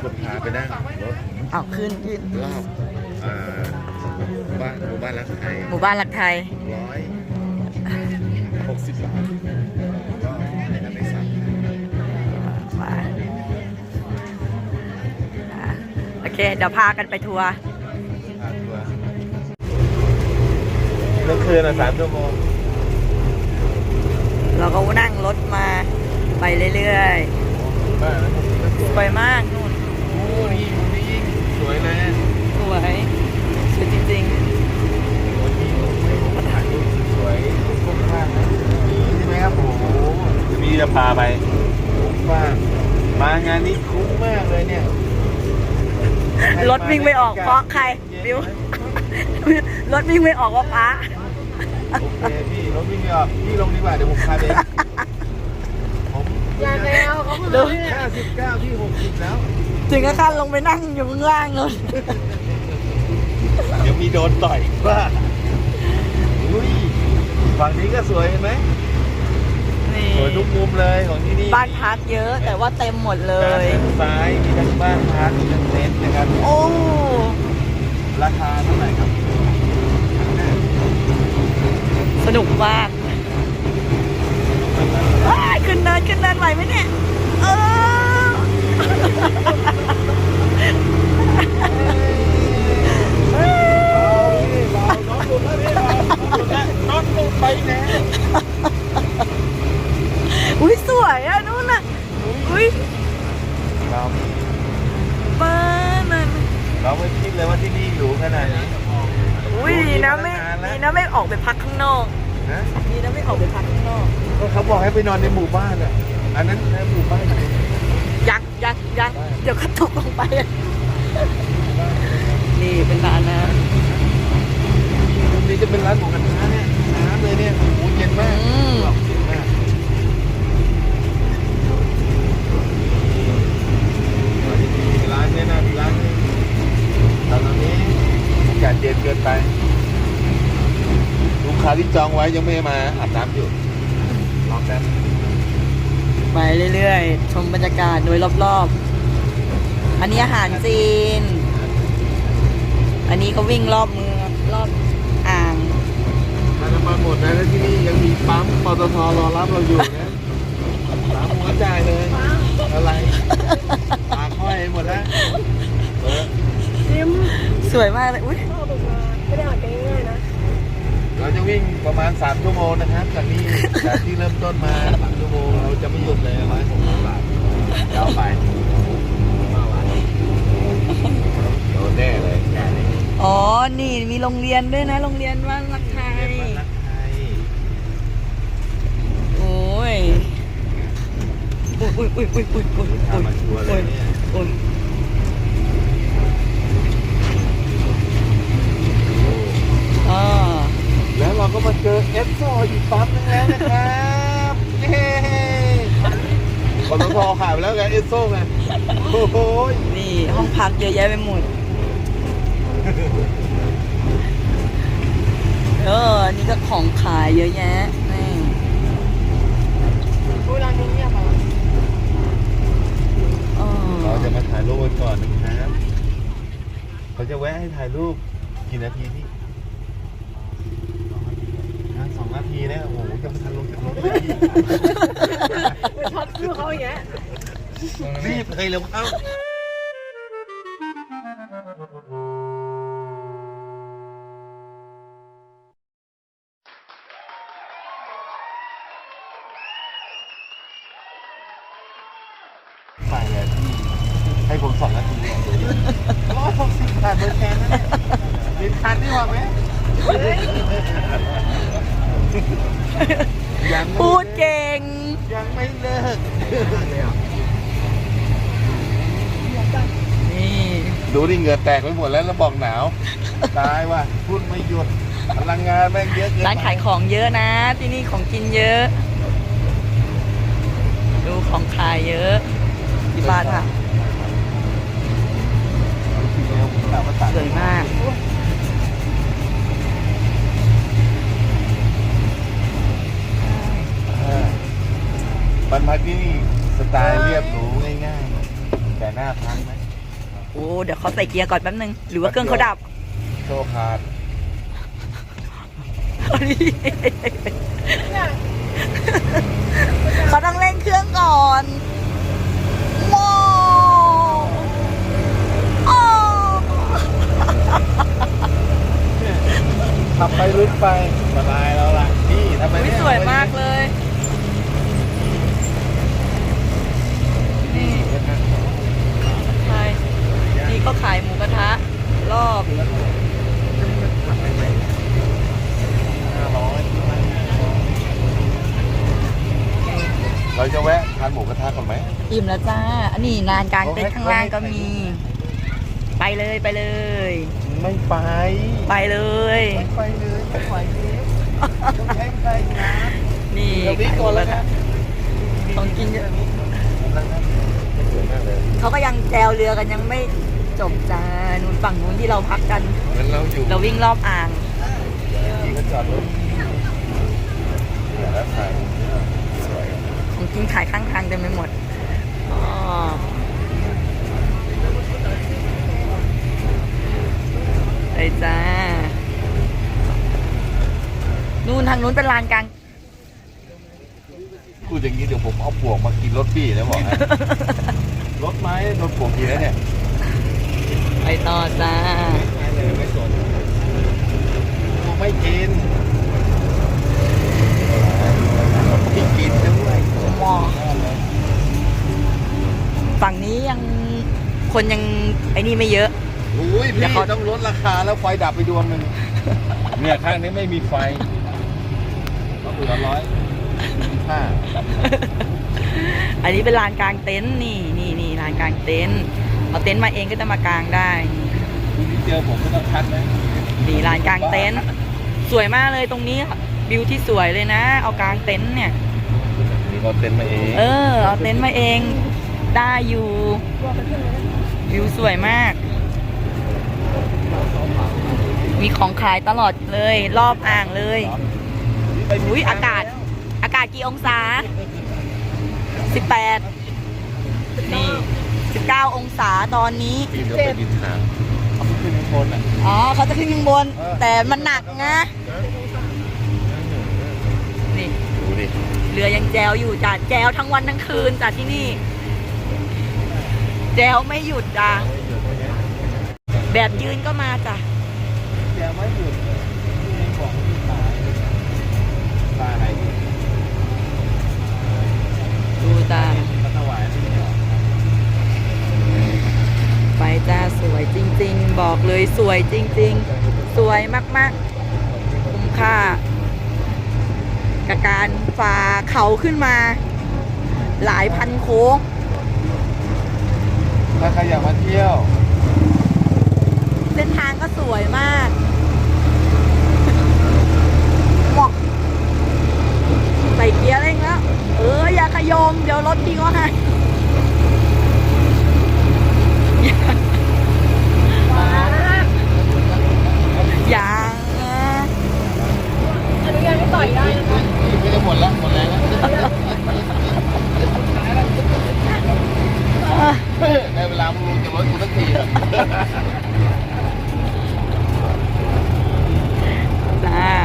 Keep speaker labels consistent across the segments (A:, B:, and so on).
A: คนพาไปนั่งรถ
B: เอาขึ้น
A: รอบหมู่บ้านรักไทย
B: หมู่บ้านรักไทย
A: 160 บาทก็ในสาม
B: ไปโอเค เดี๋ยวพากันไปทัวร์
A: พาทัวร์เมื่อคืน3 ชั่วโมง
B: เราก็นั่งรถมาไปเรื่อยๆ สวยมากนู่น
A: โอ้นี่มุมนี้ยิ่งสวยเลย
B: สวยจริง
A: โอ้นี่ถ่ายรูปสวยคุ้มมากนะนี่ใช่ไหมครับโอ้โหมีจะพาไปคุ้มมากมางานนี้คุ้มมากเลยเนี่ย
B: ๆ รถวิ่งไม่ออกเพราะใครบิว รถวิ่งไม่ออกว่าป้า
A: โอเคพี่รถวิ่งไม่ออกพี่ลงดีกว่าเดี๋ยวผมพาไปผม
C: อย่าแล้วเขา
B: ดู
A: 59พี่60แล้ว
B: ถึงกับขั้นลงไปนั่งอยู่ข้างล่างเลย
A: เดี๋ยวมีโดนต่อยว่าอุ้ยฝั่งนี้ก็สวยเห็นไหม
B: นี่
A: สวยทุกมุมเลยของที่นี่
B: บ้านพักเยอะแต่ว่าเต็มหมดเล
A: ด้าน
B: ย
A: ซ้ายมีทั้งบ้านพักมีทั้งเต็นท์นะครับ
B: โอ้
A: ราคาเท่าไหร่ครับ
B: สนุกมากอ้ายขึ้นเนินไหวไหมเนี่ย เออ
A: น้องหลุดแล้วพี่น้องหลุดไปแน่
B: อุ้ยสวยอ่ะนู่นน่ะ อุ้ย
A: เรา
B: บ้านนั่น
A: เราไม่คิดเลยว่าที่นี่หรูขนาดนี้
B: อุ้ยดีนะไม่ออกไปพักข้างนอก
A: นะ
B: ดีนะไม่ออกไปพักข้างนอก
A: ก็เขาบอกให้ไปนอนในหมู่บ้านอ่ะอันนั้นในหมู่บ้าน
B: ยังเดี๋ยวก็ตกลงไป นี่เป็นร้านนะ
A: ตรงนี้จะเป็นร้านของกันค้าเนี่ยน้ำเลยเนี่ยโอ้โหเย็นมากเย็นมากร้านเนี่ยนะร้านนี้ตอนนี้อากาศเย็นเกินไปลูกค้าที่จองไว้ยังไม่มาอาบน้ำอยู่รอแป๊บ
B: ไปเรื่อยๆ ชมบรรยากาศโดยรอบๆ อันนี้อาหารจีน อันนี้ก็วิ่งรอบเมืองรอบอ่าง
A: ถ้าน้ำมันหมดนะแล้วที่นี่ยังมีปั๊มปตทรอรับเราอยู่นะสามหัวจ่ายเลยอะไรปากห้อยหมดแล้ว
C: ซิม
B: สวยมากเลย อุ้ย
C: เข้าตกมาไม่ได้อ่านกันง่ายๆนะ
A: เราจะวิ่งประมาณ3 ชั่วโมงนะครับจากนี้จากที่เริ่มต้นมา3 ชั่วโมงเราจะไม่หยุดเลย160 บาทยาวไปโดนแน่เลย
B: อ๋อ นี่มีโรงเรียนด้วยนะ โรงเรียนบ้านรักไทย
A: รักไทย
B: โอ้ย อุ้ย
A: ทำมาชัวร์เลยเนี่ย
B: อุ้ย อ๋อ
A: แล้วเราก็มาเจอเอสโซอีกปั๊มนึงแล้วนะครับเย้ปตทขายไปแล้วไงเอสโซไงโอ้โห
B: นี่ห้องพักเยอะแยะไปหมด นี่ก็ของขายเยอะแยะ นี่
C: เวลานี้เงียบอ่ะ
B: อ๋อ
A: เราจะมาถ่ายรูปกันก่อนนะครับเขาจะแวะให้ถ่ายรูปกี่นาทีพี่2 นาทีนะโอ้โหจะมาทันลงจากรถเลย
C: ไปช็อตชื่อเขาอย่างเงี้ย
A: รีบเลยเร็วเข้าใส่เลยพี่ให้ผม2 นาที160 บาทเบอร์แทนนะเนี่ยเป็นคันที่ว่าไหมยังไม่
B: พูดเก่ง
A: ยังไม่เลิก
B: นี่
A: ดูดิเหงื่อแตกไปหมดแล้วบอกหนาว ตายว่ะพูดไม่หยุดพลังงานแม่งเยอะเกิน
B: ร้านขายของเยอะนะ ที่นี่ของกินเยอะ ดูของขายเยอะที่บ้านค่ะ สวยมาก
A: บรรพักที่นี่สไตล์เรียบหรูง่ายๆแต่หน้าพักนะ
B: โอ้เดี๋ยวเขาใส่เกียร์ก่อนแป๊บนึง หรือว่าเครื่องเขาดับ
A: โชว์ขาด
B: เขาต้องเร่งเครื่องก่อนว้าวอ้าว
A: ขับไปลึกไปสบายแล้วล่ะนี่ทำไม
B: อุ๊ย
A: เนี่ย
B: สวยมากเลย นี่ใช่นี่เขาขายหมูกระทะ รอบ
A: เราจะแวะทานหมูกระทะก่อนไหม
B: อิ่มแล้วจ้า อันนี้ลานกลางเต็นท์ข้างล่างก็มี ไปเลยไปเลย
A: ไม่ไป
B: ไปเลย
A: ไม่ไปเลยไม่ไหวเลยต้องแข่งใครนะ
B: นี่
A: เดี๋ยวนี้ก่อนแล้วนะ
B: ของกินเยอะ
A: สวยมากเลย
B: เขาก็ยังแจวเรือกันยังไม่จบจ้านู่นฝั่งนู้นที่เราพักกัน
A: งั้นเราอยู่
B: เราวิ่งรอบอ่าง
A: ที่ก็จอดรถเดี๋ยวแล้วถ่ายสวย
B: ของกินขายข้างทางเต็มไปหมดอ๋อไปจ้า นู่นทางนู้นเป็นลานกลาง
A: พูดอย่างนี้เดี๋ยวผมเอาปวกมากินรถพี่นะบอกให้ รถไม้โดนปวกกินแล้วเนี่ย
B: ไปต่อจ้า
A: ไม่สนไม่กินไม่กินด้วย
B: มอฝั่งนี้ยังคนยังไอ้นี่ไม่เยอะ
A: อุ้ย
B: เดี๋
A: พี่
B: ยวเขา
A: ต้องลดราคาแล้วไฟดับไปดวงหนึ่งเนี่ยข้างนี้ไม่มีไฟก็เหลือ125
B: อันนี้เป็นลานกลางเต็นท์นี่ลานกลางเต็นท์เอาเต็นท์มาเองก็จะมากางได้
A: คุณที่เจอผมไม่ต้องคัดนะ
B: นี่ลานกลางเต็นท์สวยมากเลยตรงนี้วิวที่สวยเลยนะ เอากลางเต็นท์เนี่ย
A: นี่เราเต็นมาเอง
B: เอาเต็นท์มาเองได้อยู่วิวสวยมาก มีของขายตลอดเลยรอบอ่างเลยอุ้ยอากาศกี่องศา 18 นี่ 19 องศาตอนนี้
A: พี่เดี๋ยวไปดินทางเขาขึ้นข้างบนอ่ะ
B: อ๋อเขาจะขึ้นข้างบน แต่มันหนักนะ นี่
A: ดูดิ
B: เรือยังแจวอยู่จ้ะแจวทั้งวันทั้งคืนจ้ะที่นี่ แจวไม่หยุดจ้ะแบบยืนก็มาจ้ะ
A: แกไม่หยุดมีของที่ตายตายไหน
B: ดูจ้ะ
A: มาถวายนี่เหรอ
B: ไปจ้าสวยจริงๆ บอกเลยสวยจริงๆ สวยมากๆ คุ้มค่ากับการฝ่าเขาขึ้นมา หลายพันโค้ง
A: ถ้าใครอยากมาเที่ยว
B: เส้นทางก็สวยมากเหมาะใส่เกียร์เร่งแล้ว อย่าขยม เดี๋ยวรถพี่ก็ให้อย่า
C: อนุญาตให้ต่อยได้นะคะ
A: ไม่ได้หมดแล้วหมดแรงแล้วในเวลามึงจะรถกูสักที
B: จ้า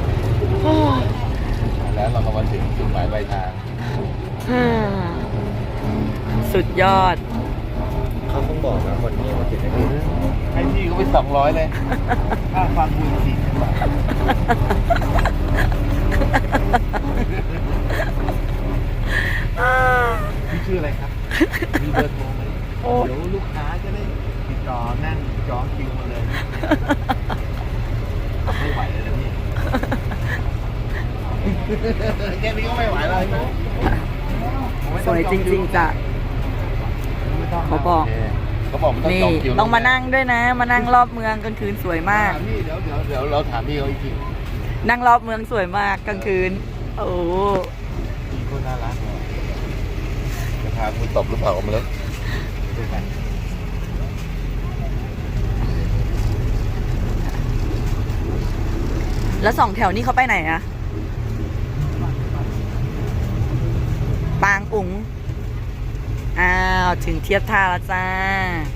A: แล้วเราก็มาถึงจุดหมายปลายทาง
B: สุดยอด
A: เขาต้องบอกนะคนนี้มาถึงให้พี่เขาไป200เลยค่าฟังคุณ40 บาทพี่ชื่ออะไรครับ มีเบอร์โทรไหมเดี๋ยวลูกค้าจะได้ติดต่อนั่งจองคิวมาเลยไม่ไหวเลยนะพี่แค่นี้ก็ไม่ไหวแล้ว
B: สวยจริงๆจ้ะ เขาบอก
A: เขาบอกมันต้อง
B: นี่
A: จองคิว
B: ต้องมานั่งด้วยนะ มานั่งรอบเมืองกลางคืนสวยมาก
A: พี่เดี๋ยวเราถามพี่เขาอีกที
B: นั่งรอบเมืองสวยมากกลางคืน โอ้
A: พี่คนน่ารักเลยจะพาคุณตบหรือเปล่าออกมาเลยด้วยกัน
B: แล้วสองแถวนี้เขาไปไหนอะปางอุ๋งอ้าว ถึงเทียบท่าแล้วจ้า